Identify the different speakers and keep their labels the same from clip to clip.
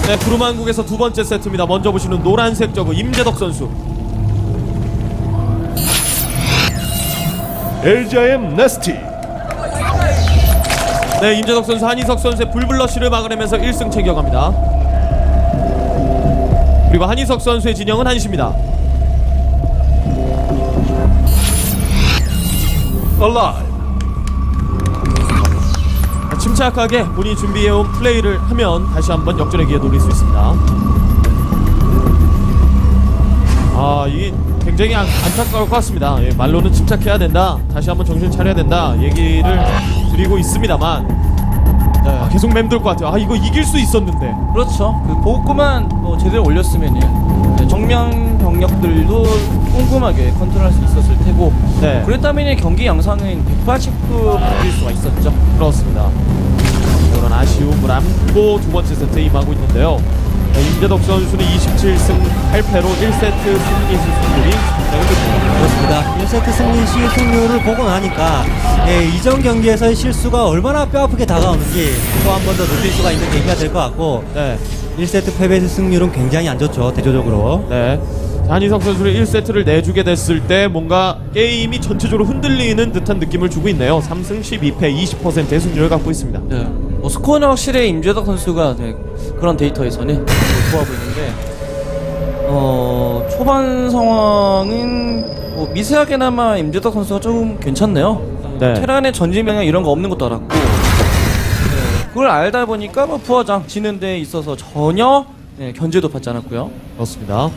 Speaker 1: 네, 구름왕국에서 두 번째 세트입니다. 먼저 보시는 노란색 저그 임재덕 선수.
Speaker 2: LGIM 네스티.
Speaker 1: 네, 임재덕 선수 한희석 선수의 불블러쉬를 막아내면서 1승 챙겨갑니다. 그리고 한희석 선수의 진영은 한시입니다.
Speaker 2: Alive.
Speaker 1: 침착하게 본인이 준비해온 플레이를 하면 다시 한번 역전의 기회 노릴 수 있습니다. 아, 이게 굉장히 안타까울 것 같습니다. 예, 말로는 침착해야 된다, 다시 한번 정신 차려야 된다 얘기를 드리고 있습니다만 계속 맴돌 것 같아요. 아, 이거 이길 수 있었는데.
Speaker 3: 그렇죠. 그 보급구만 뭐 제대로 올렸으면은 정면 병력들도 꼼꼼하게 컨트롤할 수 있었을 테고,
Speaker 1: 네.
Speaker 3: 그랬다면 경기 양상은 180도 바뀔 수가 있었죠.
Speaker 1: 그렇습니다. 이런 아쉬움을 안고 두 번째 세트에 임하고 있는데요. 임재덕 선수는 27승 8패로 1세트 승리 수승률이 굉장히 높습니다.
Speaker 4: 그렇습니다. 1세트 승리 승률을 보고 나니까 이전 경기에서의 실수가 얼마나 뼈아프게 다가오는지 또 한 번 더 느낄 수가 있는 계기가 될 것 같고,
Speaker 1: 네.
Speaker 4: 1세트 패배 승률은 굉장히 안 좋죠, 대조적으로.
Speaker 1: 네. 한희석 선수를 1세트를 내주게 됐을 때 뭔가 게임이 전체적으로 흔들리는 듯한 느낌을 주고 있네요. 3승 12패 20%의 승률을 갖고 있습니다.
Speaker 3: 네. 뭐 스코어는 확실히 임재덕 선수가 그런 데이터에서는 좋아 보이는데, 초반 상황은 뭐 미세하게나마 임재덕 선수가 조금 괜찮네요.
Speaker 1: 네.
Speaker 3: 테란의 전진 병력 이런 거 없는 것도 알았고, 그걸 알다 보니까 뭐 부하장 지는 데 있어서 전혀 견제도 받지 않았고요.
Speaker 1: 그렇습니다.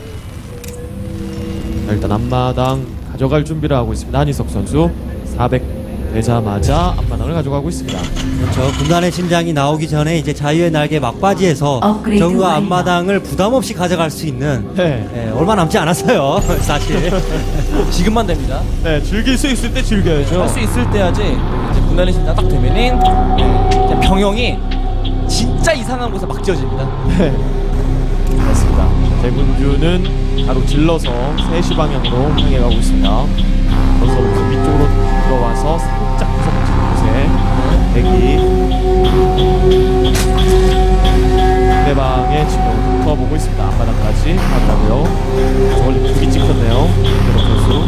Speaker 1: 자, 일단 앞마당 가져갈 준비를 하고 있습니다. 한희석 선수 400 되자마자 앞마당을 가져가고 있습니다.
Speaker 4: 그렇죠. 군단의 심장이 나오기 전에 이제 자유의 날개 막바지에서
Speaker 5: 업그레이드
Speaker 4: 정과
Speaker 5: 완료.
Speaker 4: 앞마당을 부담 없이 가져갈 수 있는
Speaker 1: 네.
Speaker 4: 얼마 남지 않았어요. 사실.
Speaker 3: 지금만 됩니다.
Speaker 1: 네, 즐길 수 있을 때 즐겨야죠.
Speaker 3: 할 수 있을 때야지. 이제 분단의 신장 딱 되면은 그냥 병영이 진짜 이상한 곳에 막 지어집니다.
Speaker 1: 네. 그렇습니다. 대군주는 바로 질러서 3시 방향으로 향해 가고 있습니다. 벌써부터 위쪽으로 들어와서 살짝 구석진 곳에 대기. 상대방의 지금 붙어보고 있습니다. 앞바닥까지 가더라고요. 저걸 두기 찍혔네요. 김대덕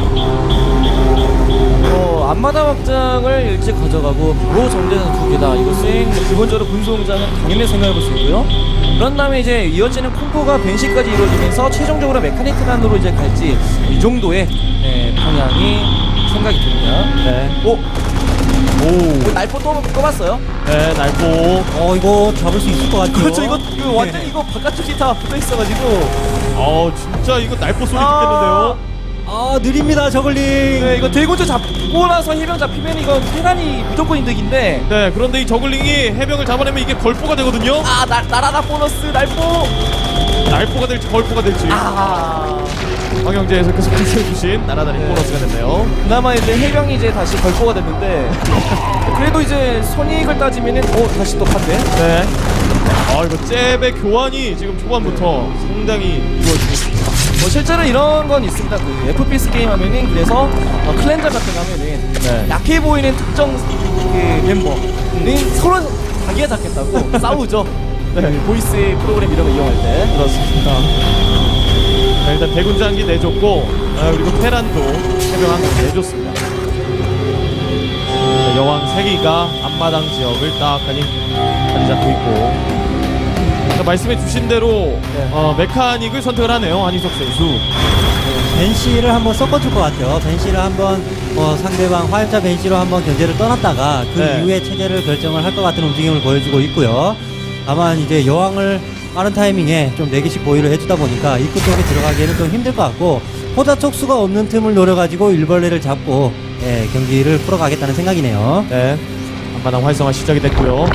Speaker 1: 선수.
Speaker 3: 앞마당 확장을 일찍 가져가고 바로 정제는 두 개다. 이것은 뭐 기본적으로 군수공장은 당연히 생각해볼 수 있고요. 그런 다음에 이제 이어지는 콤보가 벤시까지 이루어지면서 최종적으로 메카닉 테란으로 이제 갈지, 이 정도의 방향이 생각이 듭니다.
Speaker 1: 네. 오.
Speaker 3: 날포 또 뽑았어요.
Speaker 1: 네, 날고.
Speaker 4: 이거 잡을 수 있을 것 같죠.
Speaker 3: 그렇죠. 이거 완전 이거 바깥쪽이 다 붙어 있어가지고.
Speaker 1: 진짜 이거 날포 소리 듣겠는데요.
Speaker 4: 느립니다, 저글링.
Speaker 3: 네, 이거 대군주 잡고 나서 해병 잡히면 이거 테란이 무조건 이득인데.
Speaker 1: 네, 그런데 이 저글링이 해병을 잡아내면 이게 걸포가 되거든요.
Speaker 3: 나라나 보너스 날포.
Speaker 1: 날포가 될지 걸포가 될지. 황영재 해석께서 해주신 날아다니는 보너스가 됐네요.
Speaker 3: 그나마 이제 해병이 이제 다시 걸포가 됐는데, 그래도 이제 손익을 따지면은 다시 또 판대.
Speaker 1: 네. 이거 잽의 교환이 지금 초반부터 상당히 이루어지고 있습니다.
Speaker 3: 뭐 실제로 이런 건 있습니다. 그 FPS 게임 하면은, 그래서 클렌저 같은 거 하면은
Speaker 1: 네.
Speaker 3: 약해 보이는 특정 그 멤버는 서로 자기가 잡겠다고 싸우죠.
Speaker 1: 네.
Speaker 3: 보이스 프로그램 이런 거 이용할 때.
Speaker 1: 그렇습니다. 자, 일단 대군장기 내줬고, 그리고 테란도 해병 한 개 내줬습니다. 자, 여왕 3기가 앞마당 지역을 딱하니 자리 잡고 있고. 자, 말씀해 주신 대로 메카닉을 선택을 하네요, 한희석 선수.
Speaker 4: 벤시를 한번 섞어줄 것 같아요. 벤시를 한번 상대방 화염차 벤시로 한번 견제를 떠났다가 그
Speaker 1: 네.
Speaker 4: 이후에 체제를 결정을 할 것 같은 움직임을 보여주고 있고요. 다만 이제 여왕을 빠른 타이밍에 좀 4개씩 보유를 해주다 보니까 입구 쪽에 들어가기에는 좀 힘들 것 같고, 포자 촉수가 없는 틈을 노려가지고 일벌레를 잡고 경기를 풀어가겠다는 생각이네요.
Speaker 1: 네, 앞마당 활성화 시작이 됐고요.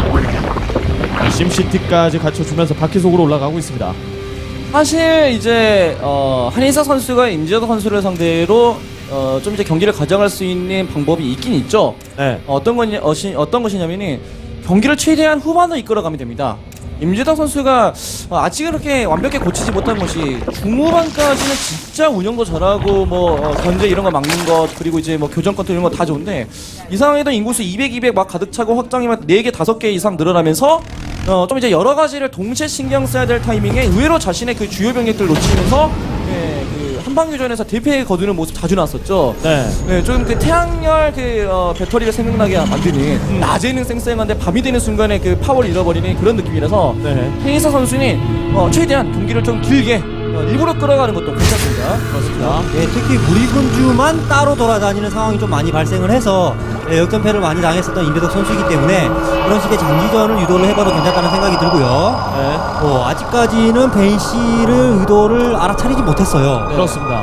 Speaker 1: 심시티까지 갖춰주면서 바퀴 속으로 올라가고 있습니다.
Speaker 3: 사실 이제 한희석 선수가 임재덕 선수를 상대로 좀 이제 경기를 가져갈 수 있는 방법이 있긴 있죠.
Speaker 1: 네.
Speaker 3: 어떤 것이냐면은 경기를 최대한 후반으로 이끌어가면 됩니다. 임재덕 선수가 아직은 그렇게 완벽히 고치지 못한 것이 중후반까지는 진짜 운영도 잘하고 뭐 견제 이런 거 막는 것, 그리고 이제 뭐 교전 컨트롤 이런 거 다 좋은데, 이 상황에도 인구수 200, 200 막 가득 차고 확장이 막 4개, 5개 이상 늘어나면서 좀 이제 여러 가지를 동시에 신경 써야 될 타이밍에 의외로 자신의 그 주요 병력들을 놓치면서 그 한방교전에서 대패 거두는 모습 자주 나왔었죠.
Speaker 1: 네.
Speaker 3: 좀 그 태양열 배터리를 생각나게 만드는 낮에는 쌩쌩한데 밤이 되는 순간에 그 파워를 잃어버리는 그런 느낌이라서
Speaker 1: 네.
Speaker 3: 헤이서 선수는 최대한 경기를 좀 길게 일부러 끌어가는 것도 괜찮습니다.
Speaker 1: 그렇습니다.
Speaker 4: 예, 특히 무리군주만 따로 돌아다니는 상황이 좀 많이 발생을 해서 역전패를 많이 당했었던 임재덕 선수이기 때문에 그런 식의 장기전을 유도를 해봐도 괜찮다는 생각이 들고요.
Speaker 1: 네.
Speaker 4: 아직까지는 벤시를 의도를 알아차리지 못했어요.
Speaker 1: 그렇습니다.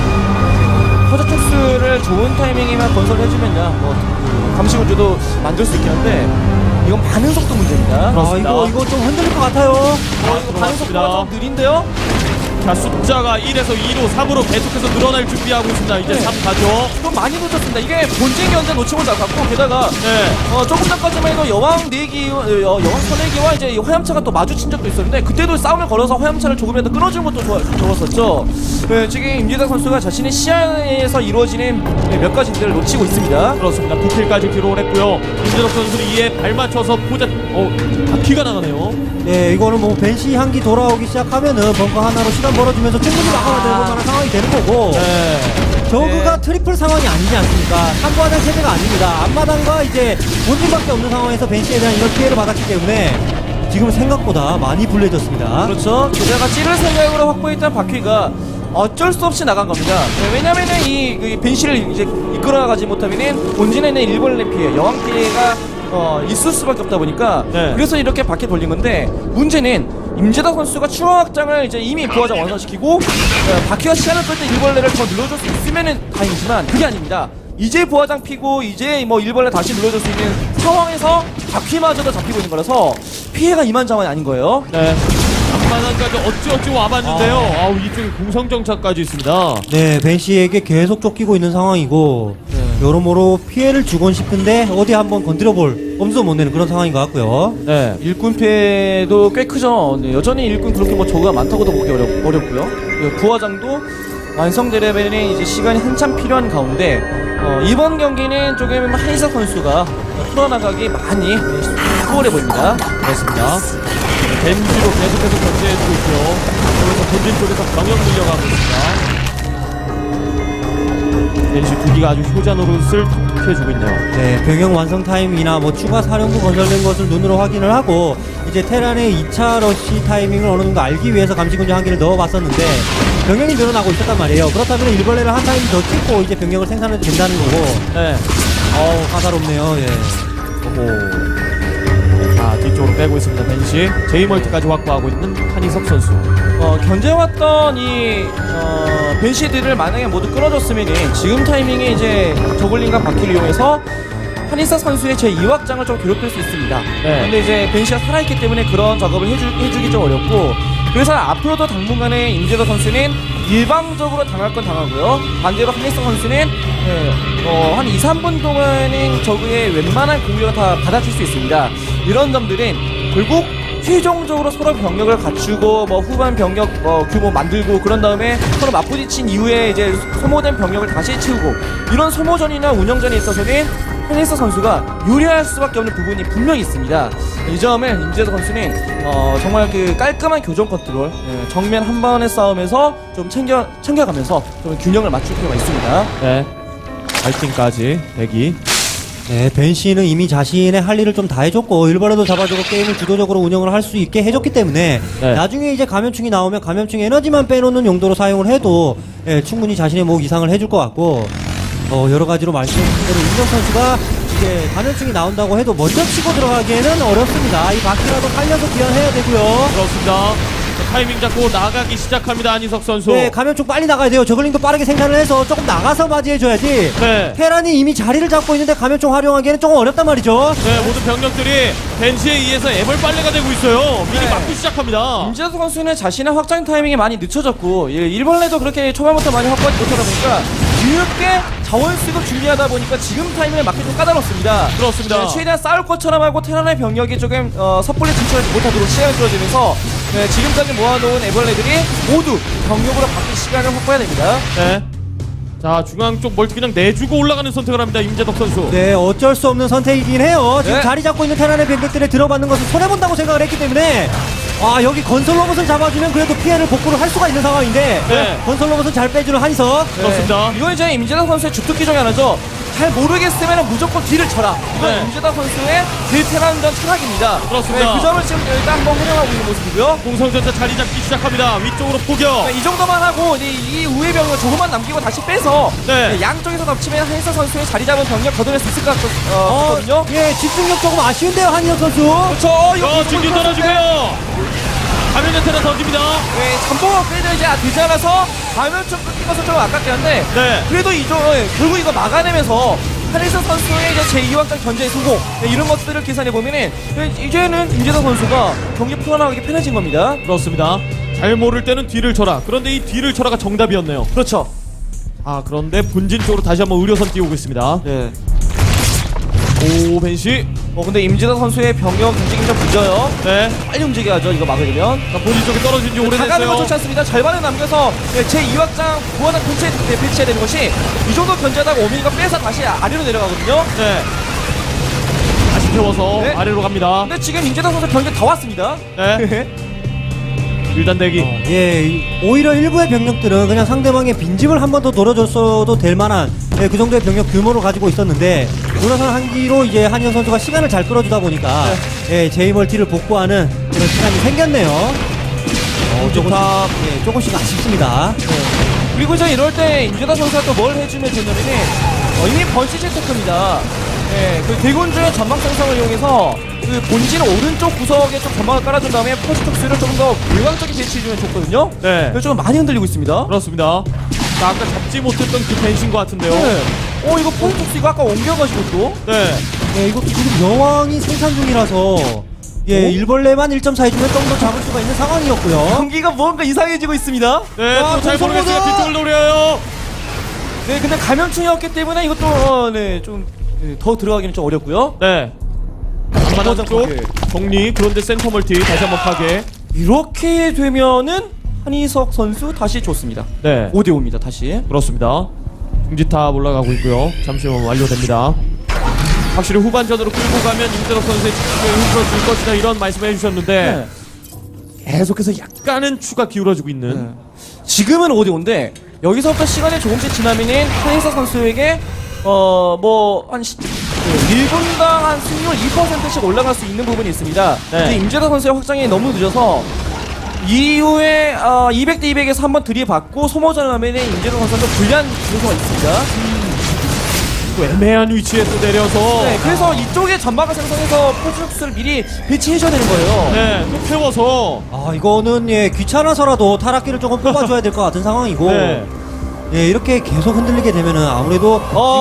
Speaker 3: 허저촉수를 좋은 타이밍에만 건설해주면야 감시군주도 만들 수 있긴 한데 이건 반응 속도 문제입니다.
Speaker 1: 그렇습니다.
Speaker 4: 이거 좀 흔들릴 것 같아요.
Speaker 3: 이거 반응 속도가 좀 느린데요?
Speaker 1: 자, 숫자가 1에서 2로 3으로 계속해서 늘어날 준비하고 있습니다. 이제
Speaker 3: 네.
Speaker 1: 3 가죠.
Speaker 3: 좀 많이 놓쳤습니다. 이게 본진 견제 놓친 건 같고 게다가
Speaker 1: 네.
Speaker 3: 조금 전까지만 해도 여왕 4기, 여왕 선내기와 이제 이 화염차가 또 마주친 적도 있었는데 그때도 싸움을 걸어서 화염차를 조금이라도 끊어주는 것도 좋았었죠. 네, 지금 임재덕 선수가 자신의 시야에서 이루어지는 몇 가지들을 놓치고 있습니다.
Speaker 1: 그렇습니다. 9킬까지 기록을 했고요. 임재덕 선수는 이에 발 맞춰서 포자 바퀴가 나가네요.
Speaker 4: 네, 이거는 뭐 벤시 향기 돌아오기 시작하면은 벙커 하나로 시간 벌어주면서 충분히 막아야 되는 만한 상황이 되는 거고.
Speaker 1: 네.
Speaker 4: 저그가 트리플 상황이 아니지 않습니까? 삼부하장 체제가 아닙니다. 앞마당과 이제 본진밖에 없는 상황에서 벤시에 대한 이런 피해를 받았기 때문에 지금 생각보다 많이 불리해졌습니다.
Speaker 3: 그렇죠. 게다가 찌를 생각으로 확보했던 바퀴가 어쩔 수 없이 나간 겁니다. 네, 왜냐면은 이 벤시를 이제 이끌어가지 못하면은 본진에 있는 일벌레 피해, 여왕 피해가 있을 수밖에 없다 보니까
Speaker 1: 네.
Speaker 3: 그래서 이렇게 바퀴 돌린 건데 문제는 임재덕 선수가 추가 확장을 이제 이미 부하장 완성시키고 바퀴가 시간을 끌 때 일벌레를 더 눌러줄 수 있으면은 다행이지만 그게 아닙니다. 이제 부하장 피고 이제 뭐 일벌레 다시 눌러줄 수 있는 상황에서 바퀴마저도 잡히고 있는 거라서 피해가 이만저만이 아닌 거예요.
Speaker 1: 네. 앞마당까지 어찌어찌 와봤는데요. 아우, 이쪽에 공성정차까지 있습니다.
Speaker 4: 네, 벤시에게 계속 쫓기고 있는 상황이고
Speaker 3: 네.
Speaker 4: 여러모로 피해를 주곤 싶은데 어디 한번 건드려볼 엄두도 못 내는 그런 상황인 것 같고요.
Speaker 1: 네.
Speaker 3: 일꾼 피해도 꽤 크죠. 네, 여전히 일꾼 그렇게 뭐 저가 많다고도 보기 어렵고요. 부하장도 완성되려면 이제 시간이 한참 필요한 가운데 이번 경기는 조금 한희석 선수가 풀어나가기 많이 수월해 보입니다.
Speaker 1: 그렇습니다. 벤지로 계속해서 견제해주고 있고요. 그래서 본진 쪽에서 병력 밀려가고 있습니다. 벤지 두 기가 아주 효자 노릇을 톡톡해주고 있네요.
Speaker 4: 네, 병영 완성 타이밍이나 뭐 추가 사령부 건설된 것을 눈으로 확인을 하고 이제 테란의 2차 러시 타이밍을 어느 정도 알기 위해서 감시군주 한 개를 넣어봤었는데 병력이 늘어나고 있었단 말이에요. 그렇다면 일벌레를 한 타임 더 찍고 이제 병력을 생산해도 된다는 거고.
Speaker 1: 네.
Speaker 4: 까다롭네요. 예.
Speaker 1: 오호. 자, 뒤쪽으로 빼고 있습니다. 벤시. 제이멀티까지 확보하고 있는 한희석 선수.
Speaker 3: 견제해왔던 벤시들을 만약에 모두 끊어줬으면 지금 타이밍에 이제 저글링과 바퀴를 이용해서 한희석 선수의 제2확장을 좀 괴롭힐 수 있습니다.
Speaker 1: 네.
Speaker 3: 근데 이제 벤시가 살아있기 때문에 그런 작업을 해주기 좀 어렵고 그래서 앞으로도 당분간에 임재덕 선수는 일방적으로 당할 건 당하고요. 반대로 한희석 선수는 한 2, 3분 동안은 적의 웬만한 공격을 다 받아칠 수 있습니다. 이런 점들은 결국 최종적으로 서로 병력을 갖추고 뭐 후반 병력 규모 만들고 그런 다음에 서로 맞부딪힌 이후에 이제 소모된 병력을 다시 채우고 이런 소모전이나 운영전에 있어서는 한희석 선수가 유리할 수밖에 없는 부분이 분명히 있습니다. 이 점을 임재덕 선수는 정말 그 깔끔한 교전 컨트롤, 정면 한 번의 싸움에서 좀 챙겨가면서 좀 균형을 맞출 필요가 있습니다.
Speaker 1: 네. 발팅까지 대기.
Speaker 4: 네, 벤시는 이미 자신의 할 일을 좀 다 해줬고 일벌레도 잡아주고 게임을 주도적으로 운영을 할 수 있게 해줬기 때문에
Speaker 1: 네.
Speaker 4: 나중에 이제 감염충이 나오면 감염충 에너지만 빼놓는 용도로 사용을 해도 충분히 자신의 목 이상을 해줄 것 같고 여러 가지로 말씀드린 대로 임정 선수가 이제 감염충이 나온다고 해도 먼저 치고 들어가기에는 어렵습니다. 이 바퀴라도 살려서 귀환해야 되고요.
Speaker 1: 그렇습니다. 타이밍 잡고 나가기 시작합니다. 한희석 선수.
Speaker 4: 네, 감염충 빨리 나가야 돼요. 저글링도 빠르게 생산을 해서 조금 나가서 맞이해줘야지.
Speaker 1: 네.
Speaker 4: 테란이 이미 자리를 잡고 있는데 감염충 활용하기에는 조금 어렵단 말이죠.
Speaker 1: 네, 모든 병력들이 벤시에 의해서 애벌빨래가 되고 있어요. 미리
Speaker 3: 네.
Speaker 1: 막기 시작합니다.
Speaker 3: 임재덕 선수는 자신의 확장 타이밍이 많이 늦춰졌고 일벌레도 그렇게 초반부터 많이 확보하지 못하다 보니까 뒤늦게 자원 수급 준비하다 보니까 지금 타이밍에 맞기 좀 까다롭습니다.
Speaker 1: 그렇습니다.
Speaker 3: 네, 최대한 싸울 것처럼 하고 테란의 병력이 조금 섣불리 진출하지 못하도록 시간을 끌어주면서 지금까지 모아놓은 애벌레들이 모두 병력으로 바뀔 시간을 확보해야 됩니다.
Speaker 1: 네. 자, 중앙 쪽 멀티 그냥 내주고 올라가는 선택을 합니다. 임재덕 선수.
Speaker 4: 네, 어쩔 수 없는 선택이긴 해요. 지금
Speaker 3: 네.
Speaker 4: 자리 잡고 있는 테란의 병력들에 들어받는 것을 손해본다고 생각을 했기 때문에 여기 건설 로봇을 잡아주면 그래도 피해를 복구를 할 수가 있는 상황인데
Speaker 1: 네.
Speaker 4: 건설 로봇은 잘 빼주는 한희석.
Speaker 1: 그렇습니다.
Speaker 3: 이건 이제 임재덕 선수의 주특기 중에 하나죠. 잘 모르겠으면 무조건 뒤를 쳐라. 이건
Speaker 1: 네.
Speaker 3: 임재덕 선수의 딜테란전 철학입니다.
Speaker 1: 그렇습니다.
Speaker 3: 그 점을 지금 일단 한번 활용하고 있는 모습이고요.
Speaker 1: 공성전차 자리 잡기 시작합니다. 위쪽으로 포격.
Speaker 3: 이 정도만 하고 이 우회 병력 조금만 남기고 다시 빼서
Speaker 1: 네.
Speaker 3: 양쪽에서 덮치면 한희석 선수의 자리 잡은 병력 거둬낼 수 있을 것 같거든요.
Speaker 4: 예, 집중력 조금 아쉬운데요, 한희석 선수.
Speaker 3: 그렇죠. 이거
Speaker 1: 중진 떨어지고요. 가면전 테라 던집니다.
Speaker 3: 네, 잠복을 빼도 이제 되지 않아서 가면좀 끊긴 것은 좀 아깝긴 한데
Speaker 1: 네.
Speaker 3: 그래도 결국 이거 막아내면서 한희석 선수의 이제 제2확장 견제의 성공 이런 것들을 계산해 보면은 이제는 임재덕 선수가 경기 풀어나가기 편해진 겁니다.
Speaker 1: 그렇습니다. 잘 모를 때는 뒤를 쳐라. 그런데 이 뒤를 쳐라가 정답이었네요.
Speaker 3: 그렇죠.
Speaker 1: 아, 그런데 본진 쪽으로 다시 한번 의료선 띄우고 있습니다.
Speaker 3: 네.
Speaker 1: 오, 벤시.
Speaker 3: 근데 임재덕 선수의 병력 움직임 좀 늦어요.
Speaker 1: 네.
Speaker 3: 빨리 움직여야죠. 이거 막으려면.
Speaker 1: 자, 본진 쪽에 떨어진 지
Speaker 3: 나가는 건
Speaker 1: 오래됐어요.
Speaker 3: 좋지 않습니다. 절반을 남겨서 제2확장 구원한 근처에 배치해야 되는 것이 이 정도 견제하다가 오미니가 빼서 다시 아래로 내려가거든요.
Speaker 1: 네. 다시 태워서
Speaker 3: 네.
Speaker 1: 아래로 갑니다.
Speaker 3: 근데 지금 임재덕 선수 경기 다 왔습니다.
Speaker 1: 네. 일단 대기.
Speaker 4: 예, 오히려 일부의 병력들은 그냥 상대방의 빈집을 한 번 더 노려줬어도 될 만한 그 정도의 병력 규모를 가지고 있었는데 돌아선 한기로 이제 한희석 선수가 시간을 잘 끌어주다 보니까 제이멀티를 복구하는 그런 시간이 생겼네요. 조금씩 아쉽습니다.
Speaker 3: 그리고 이제 이럴 때 임재덕 선수가 또 뭘 해주면 되냐면은 이미 번시 체크입니다. 네, 그 대군주의 전방 생성을 이용해서 그 본진 오른쪽 구석에 좀 전방을 깔아준 다음에 포스톡스를 조금 더 일광적인 배치해주면 좋거든요.
Speaker 1: 네.
Speaker 3: 그래서 좀 많이 흔들리고 있습니다.
Speaker 1: 그렇습니다. 자, 아까 잡지 못했던 그 벤신 것 같은데요.
Speaker 3: 네. 이거 포스톡스 이거 아까 옮겨가지고 또.
Speaker 1: 네.
Speaker 4: 이거 지금 여왕이 생산 중이라서 일벌레만 1점 차이주면 좀 더 잡을 수가 있는 상황이었고요.
Speaker 3: 경기가 뭔가 이상해지고 있습니다.
Speaker 1: 네,
Speaker 4: 와,
Speaker 1: 또 잘
Speaker 4: 공성모드!
Speaker 1: 모르겠어요. 뒤쪽을 노려요.
Speaker 3: 네, 근데 감염충이었기 때문에 이것도 좀 더 들어가기는 좀 어렵고요.
Speaker 1: 네. 앞마당 쪽
Speaker 3: 파괴.
Speaker 1: 정리. 그런데 센터 멀티 다시 한번 파괴.
Speaker 3: 이렇게 되면은 한희석 선수 다시 좋습니다.
Speaker 1: 네.
Speaker 3: 5대5입니다. 다시.
Speaker 1: 그렇습니다. 중지탑 올라가고 있고요. 잠시 후면 완료됩니다. 확실히 후반전으로 끌고 가면 임재덕 선수의 집중력이 힘들어질 것이다 이런 말씀을 해주셨는데 계속해서 약간은 추가 기울어지고 있는
Speaker 3: 지금은 5대5인데 여기서부터 시간이 조금씩 지나면은 한희석 선수에게 한 1분당 한 승률 2%씩 올라갈 수 있는 부분이 있습니다.
Speaker 1: 네.
Speaker 3: 근데 임재덕 선수의 확장이 너무 늦어서 이후에 200대 200에서 한번 들이받고 소모전을 하면은 임재덕 선수가 좀 불리한 요소가 있습니다.
Speaker 1: 또 애매한 위치에 또 내려서
Speaker 3: 네, 그래서 이쪽에 전방을 생성해서 포즈박스를 미리 배치해줘야 되는 거예요.
Speaker 1: 네, 또 태워서
Speaker 4: 이거는 귀찮아서라도 타락기를 조금 뽑아줘야 될 것 같은 상황이고
Speaker 1: 네.
Speaker 4: 이렇게 계속 흔들리게 되면은 아무래도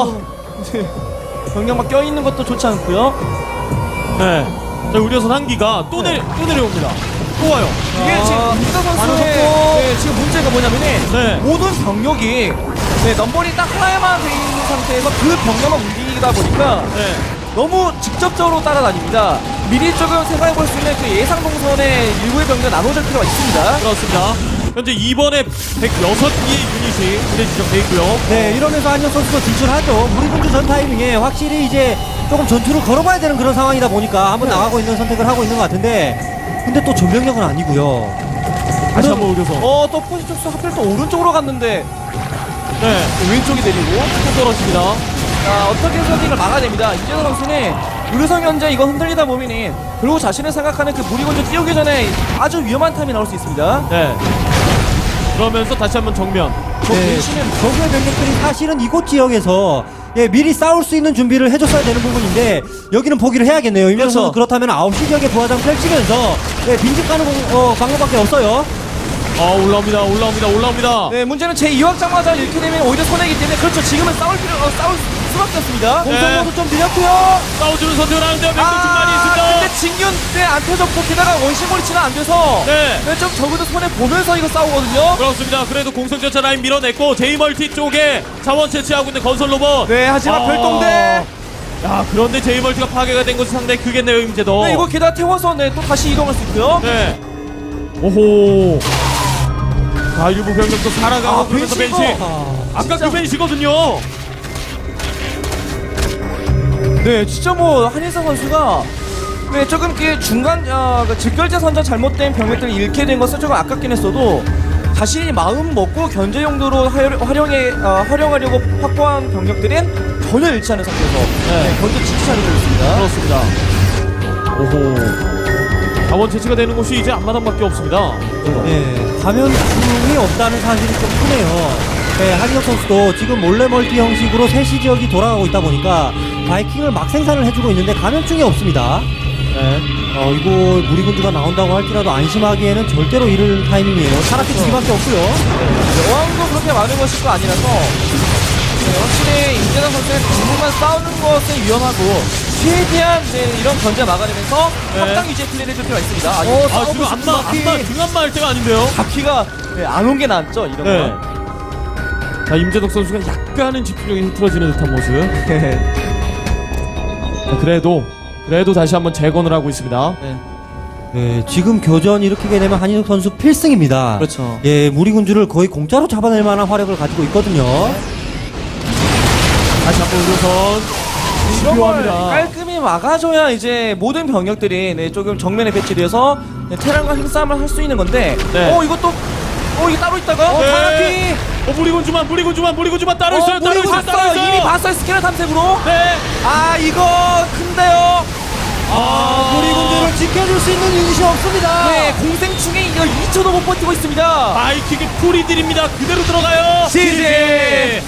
Speaker 3: 병력만 껴있는 것도 좋지 않고요.
Speaker 1: 네. 자, 의료선 한기가 또 내려옵니다. 또 와요.
Speaker 3: 이게 지금 임재덕 선수의
Speaker 4: 많은
Speaker 3: 지금 문제가 뭐냐면은
Speaker 1: 네.
Speaker 3: 모든 병력이 넘버링 딱 하나에만 돼 있는 상태에서 그 병력만 움직이다 보니까
Speaker 1: 네.
Speaker 3: 너무 직접적으로 따라다닙니다. 미리 조금 생각해볼 수 있는 그 예상 동선의 일부의 병력 나눠줄 필요가 있습니다.
Speaker 1: 그렇습니다. 현재 이번에 106개의 유닛이 부대 지정돼 있고요.
Speaker 4: 네, 이러면서 한희석 선수도 진출하죠. 무리군주 전 타이밍에 확실히 이제 조금 전투를 걸어봐야 되는 그런 상황이다 보니까 한번 나가고 있는 선택을 하고 있는 것 같은데 근데 또 전병력은 아니고요.
Speaker 1: 다시 한번 의료선.
Speaker 3: 또 포지션스 하필 또 오른쪽으로 갔는데
Speaker 1: 네.
Speaker 3: 왼쪽이 내리고
Speaker 1: 또 떨어집니다.
Speaker 3: 자, 어떻게 선택을 막아냅니다. 이재성 선수는 의료선 현재 이거 흔들리다 보면은 그리고 자신을 생각하는 그 무리군주 띄우기 전에 아주 위험한 타임이 나올 수 있습니다.
Speaker 1: 네. 그러면서 다시 한번 정면.
Speaker 4: 적의 병력들이 사실은 이곳 지역에서 미리 싸울 수 있는 준비를 해줬어야 되는 부분인데 여기는 포기를 해야겠네요. 임재성 선수 그렇다면 9시 지역에 부하장 펼치면서 빈집 가는 방법밖에 없어요.
Speaker 1: 올라옵니다.
Speaker 3: 네, 문제는 제2확장마저 이렇게 되면 오히려 손해이기 때문에 그렇죠. 지금은 싸울 수밖에 없습니다.
Speaker 1: 공성모드
Speaker 3: 좀 느렸고요.
Speaker 1: 싸워주는 선택을 하는데요. 맹독충 많이 있습니다.
Speaker 3: 근데 진균 때안 터졌고 게다가 원시몰치는 안 돼서
Speaker 1: 네.
Speaker 3: 좀 적어도 손해 보면서 이거 싸우거든요.
Speaker 1: 그렇습니다. 그래도 공성전차 라인 밀어냈고 제이멀티 쪽에 자원 채취하고 있는 건설 로봇.
Speaker 3: 네, 하지만 별동대.
Speaker 1: 야, 그런데 제이멀티가 파괴가 된 것이 상당히 크겠네요, 임재도.
Speaker 3: 네, 이거 게다가 태워서 또 다시 이동할 수 있고요.
Speaker 1: 네. 오호. 자, 일부 병력도 살아가고 그러면서 벤시. 아까 그 벤시거든요.
Speaker 3: 네, 진짜 뭐 한희석 선수가 네, 조금 그 중간 그 직결제 선전 잘못된 병력들을 잃게 된 것은 조금 아깝긴 했어도 자신이 마음 먹고 견제 용도로 활용하려고 확보한 병력들은 전혀 잃지 않은 상태에서 네, 견제 진짜 잘 이루어졌습니다.
Speaker 1: 그렇습니다. 오호. 자원 채취가 되는 곳이 이제 앞마당밖에 없습니다.
Speaker 4: 네, 감염충이 없다는 사실이 좀 크네요. 네, 한희석 선수도 지금 몰래 멀티 형식으로 세시 지역이 돌아가고 있다 보니까 바이킹을 막 생산을 해주고 있는데 감염충이 없습니다.
Speaker 1: 네.
Speaker 4: 이거 무리군주가 나온다고 할지라도 안심하기에는 절대로 이를 타이밍이에요. 차라리 주기밖에 없고요.
Speaker 3: 여왕도 그렇게 많은 것이 또 아니라서 네, 확실히 임재상 선수의 당분간 싸우는 것은 위험하고 최대한 이제 이런 견제 막아내면서
Speaker 1: 네.
Speaker 3: 확장 유지의 플레이를 해줄 필요가 있습니다. 아,
Speaker 1: 아, 지금 등한마 할 때가 아닌데요?
Speaker 3: 바퀴가 네, 안 온 게 낫죠, 이런
Speaker 1: 네.
Speaker 3: 건.
Speaker 1: 자, 임재덕 선수가 약간은 집중력이 흐트러지는 듯한 모습. 자, 그래도 다시 한번 재건을 하고 있습니다.
Speaker 3: 네.
Speaker 4: 네, 지금 교전 일으키게 되면 한희석 선수 필승입니다.
Speaker 3: 그렇죠.
Speaker 4: 예, 무리군주를 거의 공짜로 잡아낼 만한 화력을 가지고 있거든요.
Speaker 1: 다시 한번 우선
Speaker 3: 이런 걸
Speaker 1: 필요합니다.
Speaker 3: 깔끔히 막아줘야 이제 모든 병력들이 네, 조금 정면에 배치돼서 네, 테란과 힘싸움을 할 수 있는 건데
Speaker 1: 네.
Speaker 3: 이것도 이게 따로 있다가
Speaker 1: 네. 무리군주만 따로 있어요. 따로 있어요. 따로 있어요.
Speaker 3: 이미 봤어요, 스캐너 탐색으로.
Speaker 1: 네.
Speaker 3: 아, 이거 큰데요.
Speaker 4: 무리군주를 지켜줄 수 있는 유닛이 없습니다.
Speaker 3: 네, 공생충에 이거 2초도 못 버티고 있습니다.
Speaker 1: 바이킹의 풀이들입니다. 그대로 들어가요.
Speaker 3: 지지.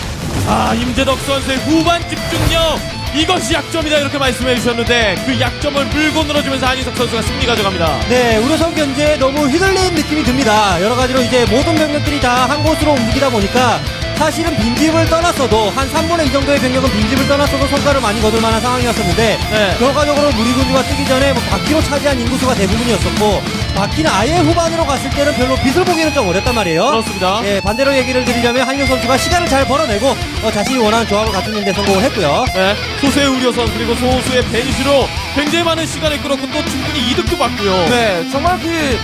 Speaker 1: 임재덕 선수의 후반 집중력 이것이 약점이다 이렇게 말씀해 주셨는데 그 약점을 물고 늘어주면서 한희석 선수가 승리 가져갑니다.
Speaker 4: 네, 우려선 견제에 너무 휘둘리는 느낌이 듭니다. 여러 가지로 이제 모든 병력들이 다 한 곳으로 움직이다 보니까 사실은 빈집을 떠났어도 한 3분의 2 정도의 병력은 빈집을 떠났어도 성과를 많이 거둘 만한 상황이었었는데
Speaker 1: 네.
Speaker 4: 결과적으로 무리군주가 뜨기 전에 바퀴로 차지한 인구수가 대부분이었었고 바퀴는 아예 후반으로 갔을 때는 별로 빛을 보기는 좀 어렵단 말이에요.
Speaker 1: 그렇습니다.
Speaker 4: 예, 반대로 얘기를 드리자면 한희석 선수가 시간을 잘 벌어내고 자신이 원하는 조합을 갖추는 데 성공을 했고요.
Speaker 1: 네. 소수의 우려선 그리고 소수의 벤시로 굉장히 많은 시간을 끌었고 또 충분히 이득도 봤고요.
Speaker 3: 네, 정말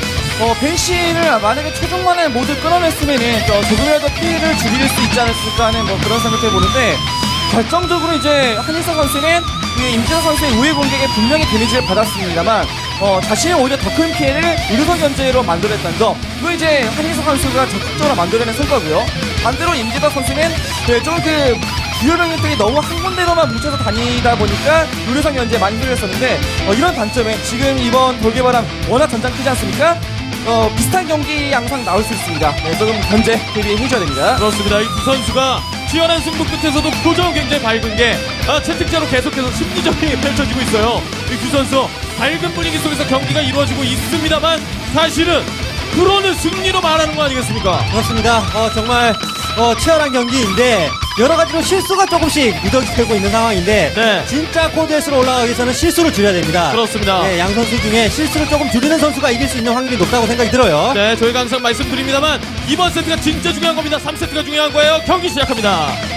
Speaker 3: 벤시를 만약에 최종만에 모두 끊어냈으면은 조금이라도 피해를 줄일 수 있지 않았을까 하는 그런 생각해 보는데 결정적으로 이제 한희석 선수는 그 임재석 선수의 우회 공격에 분명히 데미지를 받았습니다만 자신이 오히려 더 큰 피해를 의료선 견제로 만들어냈다는 점, 그거 이제 한희석 선수가 적극적으로 만들어낸 성과고요. 반대로 임재석 선수는 좀 주요 병력들이 너무 한 군데로만 뭉쳐서 다니다 보니까 의료선 견제에 많이 흘렸었는데 이런 단점에 지금 이번 돌개바람 워낙 전장 크지 않습니까? 비슷한 경기 양상 나올 수 있습니다. 네, 조금 견제 대비해줘야 됩니다.
Speaker 1: 그렇습니다. 이 두 선수가 치열한 승부 끝에서도 표정 굉장히 밝은 게 채택자로 계속해서 심리전이 펼쳐지고 있어요. 이 두 선수 밝은 분위기 속에서 경기가 이루어지고 있습니다만 사실은 프로는 승리로 말하는 거 아니겠습니까?
Speaker 4: 그렇습니다. 정말 치열한 경기인데 여러 가지로 실수가 조금씩 묻어지고 있는 상황인데
Speaker 1: 네.
Speaker 4: 진짜 코드에스로 올라가기 위해서는 실수를 줄여야 됩니다.
Speaker 1: 그렇습니다.
Speaker 4: 네, 양 선수 중에 실수를 조금 줄이는 선수가 이길 수 있는 확률이 높다고 생각이 들어요.
Speaker 1: 네, 저희가 항상 말씀드립니다만 이번 세트가 진짜 중요한 겁니다. 3세트가 중요한 거예요. 경기 시작합니다.